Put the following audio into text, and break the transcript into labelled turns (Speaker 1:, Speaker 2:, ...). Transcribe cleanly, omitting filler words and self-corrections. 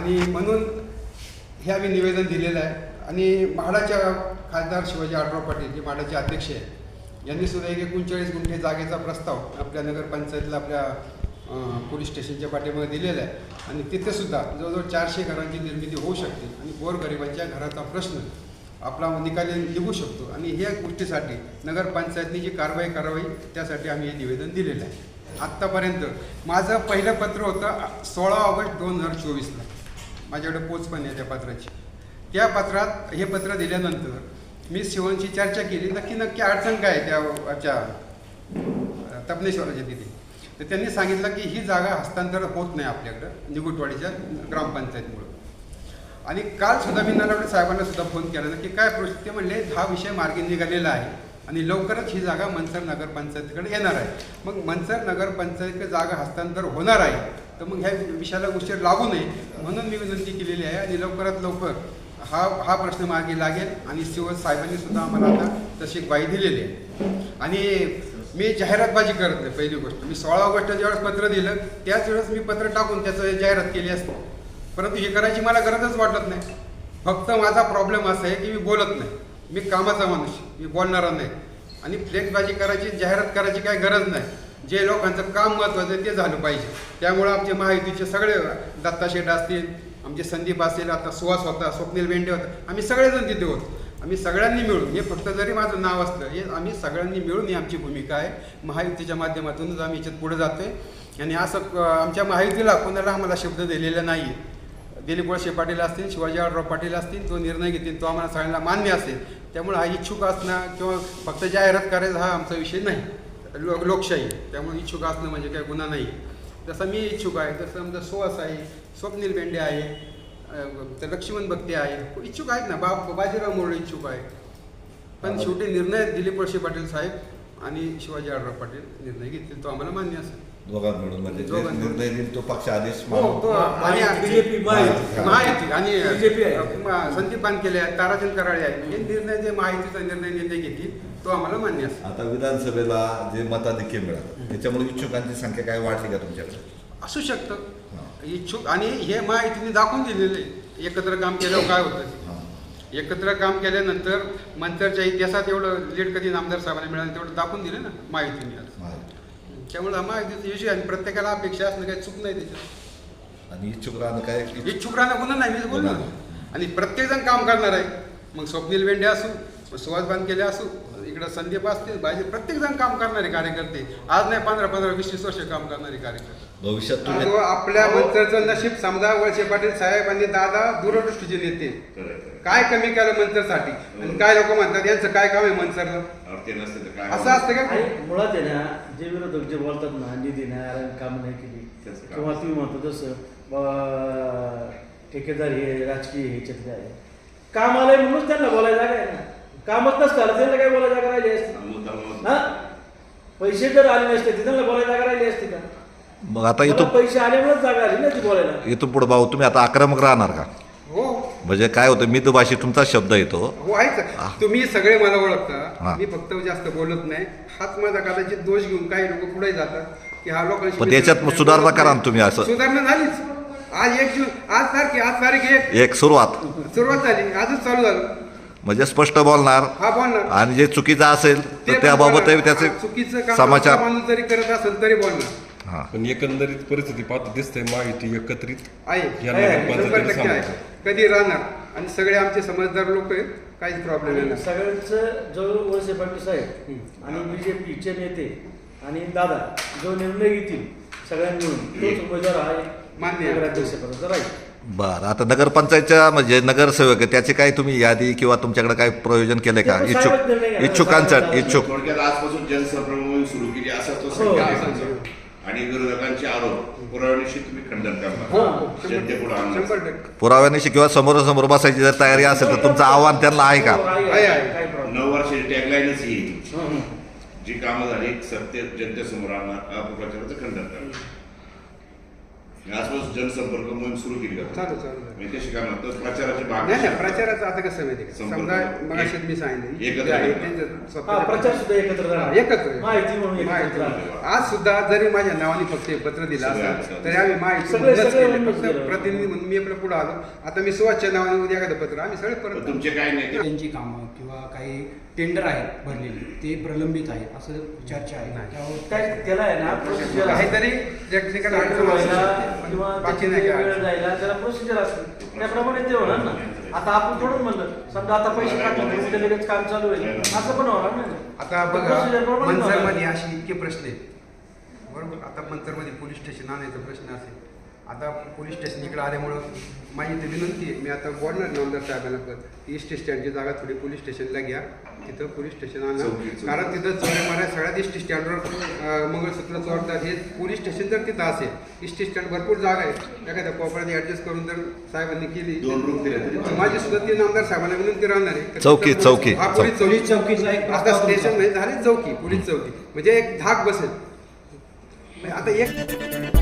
Speaker 1: आणि म्हणून हे आम्ही निवेदन दिलेलं आहे. आणि म्हाडाच्या खासदार शिवाजी आढराव पाटील जे म्हाडाचे अध्यक्ष आहे यांनी सुद्धा 39 गुंठे जागेचा प्रस्ताव आपल्या नगरपंचायतीला आपल्या पोलीस स्टेशनच्या पाठीमागे दिलेला आहे. आणि तिथे सुद्धा जवळजवळ 400 घरांची निर्मिती होऊ शकते आणि गोरगरिबांच्या घराचा प्रश्न आपला निकाली निघू शकतो. आणि ह्या गोष्टीसाठी नगरपंचायतनी जी कारवाई करावी त्यासाठी आम्ही हे निवेदन दिलेलं आहे. आत्तापर्यंत माझं पहिलं पत्र होतं 16 ऑगस्ट 2024ला. माझ्याकडे पोच पण आहे त्या पत्राची. त्या पत्रात हे पत्र दिल्यानंतर मी शिवनशी चर्चा केली नक्की अडचण काय आहे त्या तपनेश्वराच्या तिथे. तर त्यांनी सांगितलं की ही जागा हस्तांतर होत नाही आपल्याकडं निगुटवाडीच्या ग्रामपंचायतीमुळं. आणि कालसुद्धा मी नलावडे साहेबांना सुद्धा फोन केला की काय प्रोसेस. ते म्हणले हा विषय मार्गी निघालेला आहे आणि लवकरच ही जागा मनसर नगरपंचायतीकडे येणार आहे. मग मनसर नगरपंचायतीकडे जागा हस्तांतर होणार आहे तर मग ह्या विषयाला उशीर लागू नये म्हणून मी विनंती केलेली आहे. आणि लवकरात लवकर हा प्रश्न मार्गी लागेल. आणि साहेबांनी सुद्धा आम्हाला आता तशी ग्वाही दिलेली आहे. आणि मी जाहिरातबाजी करत नाही. पहिली गोष्ट मी 16 ऑगस्टला ज्यावेळेस पत्र दिलं त्याच वेळेस मी पत्र टाकून त्याचं जाहिरात केली असते. परंतु हे करायची मला गरजच वाटत नाही. फक्त माझा प्रॉब्लेम असा आहे की मी बोलत नाही. मी कामाचा माणूस, मी बोलणारा नाही. आणि फ्लेक्सबाजी करायची जाहिरात करायची काही गरज नाही. जे लोकांचं काम महत्त्वाचं आहे ते झालं पाहिजे. त्यामुळं आमचे महायुतीचे सगळे दत्ता शेठ असतील, आमचे संदीप असेल, आता सुहास होता, स्वप्नील बेंडे होता, आम्ही सगळेजण तिथे होतो. आम्ही सगळ्यांनी मिळून हे फक्त जरी माझं नाव असलं हे आम्ही सगळ्यांनी मिळून ही आमची भूमिका आहे. महायुतीच्या माध्यमातूनच आम्ही याच्यात पुढे जातो आहे. आणि असं आमच्या महायुतीला कोणाला आम्हाला शब्द दिलेला नाही आहे. दिलीप वळसे पाटील असतील, शिवाजी आढराव पाटील असतील, तो निर्णय घेतील तो आम्हाला सगळ्यांना मान्य असेल. त्यामुळे हा इच्छुक असणं किंवा फक्त जाहिरात करायचा हा आमचा विषय नाही. लोकशाही त्यामुळे इच्छुक असणं म्हणजे काही गुन्हा नाही. जसं मी इच्छुक आहे तसं आमचा सुहास आहे, स्वप्नील बेंडे आहे, तर लक्ष्मण भक्ती आहे, इच्छुक आहेत ना. बाजीराव मोरे इच्छुक आहे. पण शेवटी निर्णय दिलीप वळसे पाटील साहेब आणि शिवाजी आढराव पाटील निर्णय घेतील तो आम्हाला मान्य असेल.
Speaker 2: दोघांत मिळून म्हणजे निर्णय देईल तो पक्ष आदेश
Speaker 1: महायुती आणि संदीप बानकेले आहेत, ताराचंद कराळे आहेत. हे निर्णय जे महायुतीचा निर्णय घेतील तो आम्हाला मान्य असेल.
Speaker 2: आता विधानसभेला जे मताधिक्य मिळालं त्याच्यामुळे इच्छुकांची संख्या काय वाढली का तुमच्याकडे?
Speaker 1: असू शकतं इच्छुक. आणि हे महायुतीने दाखवून दिलेले एकत्र काम केल्यावर काय होतं. एकत्र काम केल्यानंतर मंतरच्या इतिहासात एवढं लीड कधी नामदार साहेबांना मिळालं तेवढं दाखवून दिलं ना महायुतीने. त्यामुळे महायुतीचा विषय आणि प्रत्येकाला अपेक्षा असणं काही चूक नाही त्याच्यात.
Speaker 2: आणि इच्छुक राहणं काय
Speaker 1: इच्छुक राहणं गुन्हा नाही मी बोललो. आणि प्रत्येकजण काम करणार आहे. मग स्वप्नील बेंडे असू, सुहास बानकेले असू, इकडं संदीप असतील, बाजी प्रत्येकजण काम करणारे कार्यकर्ते. आज नाही 15-15, 20-20 वर्ष काम करणारे कार्यकर्ते.
Speaker 2: भविष्यात
Speaker 1: आपल्या मंतरचं नशीब समजा वळसे पाटील साहेब आणि दादा दूरदृष्टीचे नेते काय कमी केलं मंतरसाठी. आणि काय लोक म्हणतात यांचं काय काम आहे मंतरला असं असतं का?
Speaker 3: मुळात आहे ना जे विरोधक जे बोलतात ना निधी नाही काम नाही केली किंवा तुम्ही म्हणतो तसं ठेकेदार हे राजकीय ह्याच्यात काय काम आलंय म्हणूनच त्यांना बोलायला जागा आहे ना. कामच नसतं त्यांना काय बोलायला जागा राहिली असते ना. पैसे जर आले नसते त्यांना बोलायला जागा राहिली असते का?
Speaker 2: मग आता इथून
Speaker 3: पैसे आल्यामुळेच जागा आली ना ती बोलायला.
Speaker 2: इथून पुढे भाऊ तुम्ही आता आक्रमक राहणार का?
Speaker 1: हो.
Speaker 2: म्हणजे काय होतं मितभाषी तुमचा शब्द येतो.
Speaker 1: हो आहे. तुम्ही सगळे मला ओळखता. मी फक्त जास्त बोलत नाही. हाच माझा कदाचित दोष घेऊन काही लोक पुढे जातात की हा लोकांशी.
Speaker 2: पण त्याच्यात सुधारणा करा ना तुम्ही. असं
Speaker 1: सुधारणा झालीच. आज 1 जून आज तारीख 1 सुरुवात झाली. आजच चालू झालं.
Speaker 2: म्हणजे स्पष्ट बोलणार.
Speaker 1: हा बोलणार.
Speaker 2: आणि जे चुकीचं असेल तर त्याबाबत त्याचे
Speaker 1: चुकीचं
Speaker 2: समाचार
Speaker 1: माणूस जरी करत असेल तरी बोलणार.
Speaker 4: पण एकंदरीत परिस्थिती पाहता दिसते महायुती एकत्रित
Speaker 1: आहे. कधी राहणार. आणि सगळे आमचे समजदार लोक आहेत. काहीच प्रॉब्लेम नाही.
Speaker 3: सगळ्यांचं जो वळसे पाटील साहेब आणि बीजेपीचे नेते आणि दादा जो निर्णय घेतील सगळ्यांनी मिळून तोच उमेदवार आहे
Speaker 1: मान्य
Speaker 3: नगराध्यक्षपदाचा राहील.
Speaker 2: बरं. आता नगरपंचायतच्या म्हणजे नगरसेवक आहे त्याची काय तुम्ही यादी किंवा तुमच्याकडे काय प्रयोजन केले का? इच्छुकांचं इच्छुक
Speaker 5: थोडक्यात आजपासून जनसंपर्क सुरू केली असं तो संकेत. आणि विरोधकांचे आरोप पुराव्यानिशी तुम्ही खंडन करणार जनतेपुढे आणणार.
Speaker 2: पुराव्यानिशी किंवा समोरासमोर बसायची जर तयारी असेल तर तुमचं आव्हान त्यांना आहे का?
Speaker 5: 9 वर्षाची टॅगलाईनच ही जी कामं झाली सत्य जनतेसमोर आणणार अपप्रचाराचं खंडन करणार. आसपास जनसंपर्क मोहीम सुरू केली का
Speaker 1: चालू
Speaker 5: म्हणजे कशी करणार तर प्रचाराचे भाग
Speaker 1: नाही नाही प्रचाराचं आता कसं माहिती का
Speaker 5: संपर्क.
Speaker 1: समजा मग मी सांगितलं
Speaker 5: एकत्र
Speaker 1: जे आहे
Speaker 5: येतात.
Speaker 1: त्यांचं
Speaker 3: हा
Speaker 1: स्वतःचं-
Speaker 3: प्रचार सुद्धा एकत्र राहणार.
Speaker 1: एकत्र
Speaker 3: माहिती म्हणून एकत्र
Speaker 1: माहिती
Speaker 3: राहणार.
Speaker 1: म्हणून. आज सुद्धा जरी माझ्या नावाने फक्त हे पत्र दिलं
Speaker 5: सगळे
Speaker 1: असतं
Speaker 5: असतात.
Speaker 1: तरी आम्ही माहिती
Speaker 3: सगळे-
Speaker 1: म्हणूनच
Speaker 3: सगळे
Speaker 1: केले.
Speaker 3: म्हणूनच
Speaker 1: फक्त
Speaker 3: केलं.
Speaker 1: प्रतिनिधी म्हणून मी आपलं पुढे आलो आता मी सुवासच्या नावाने उद्या एखादं पत्र आम्ही सगळे
Speaker 5: पण
Speaker 1: परत
Speaker 5: तुमचे काय नेते
Speaker 6: त्यांची कामं किंवा काही टेंडर आहेत भरलेली ते प्रलंबित आहेत असं चर्चा आहे
Speaker 1: नाही.
Speaker 6: त्यावर
Speaker 3: काय त्याला आहे ना प्रोसिजर
Speaker 1: काहीतरी टेक्निकल अडचण असू शकते.
Speaker 3: किंवा
Speaker 1: बाकी
Speaker 3: त्याची
Speaker 1: नाही काय
Speaker 3: वेळ
Speaker 1: अडचण.
Speaker 3: जायला त्याला प्रोसिजर असते त्याप्रमाणे ते होणार ना. आता आपण थोडं म्हणलं समजा आता पैसे काढले तर उद्या लगेच काम चालू होईल असं पण होणार नाही ना.
Speaker 1: आता बघा
Speaker 3: Procedure प्रमाणे होणार.
Speaker 1: मनसरमध्ये अशी इतके प्रश्न आहेत बरोबर आता मनसरमध्ये पोलीस स्टेशन आणायचा प्रश्न असेल आता पोलीस स्टेशन इकडे आल्यामुळं माझी इथे विनंती आहे मी आता बोलणार नामदार साहेबांना पण ईस्ट स्टँडची जागा थोडी पोलीस स्टेशनला घ्या तिथं पोलीस स्टेशन आणा
Speaker 5: चौकी.
Speaker 1: कारण तिथं चोऱ्या माऱ्या सगळ्यात ईस्ट स्टँडवर मंगळसूत्र चोरतात हे पोलीस स्टेशन जर तिथं असेल ईस्ट स्टँड भरपूर जागा आहे एखाद्या कोपऱ्याने ॲडजस्ट करून जर साहेबांनी केली
Speaker 5: 2 रूम दिले तरी
Speaker 1: तर माझी सुद्धा ती नामदार साहेबांना विनंती राहणार आहे
Speaker 2: चौकी, चौकी,
Speaker 1: हा, पोलीस
Speaker 6: पोलीस चौकीचा एक
Speaker 1: आता
Speaker 6: प्रस्ताव
Speaker 1: स्टेशन नाही झाली चौकी पोलीस चौकी म्हणजे एक धाक बसेल आता एक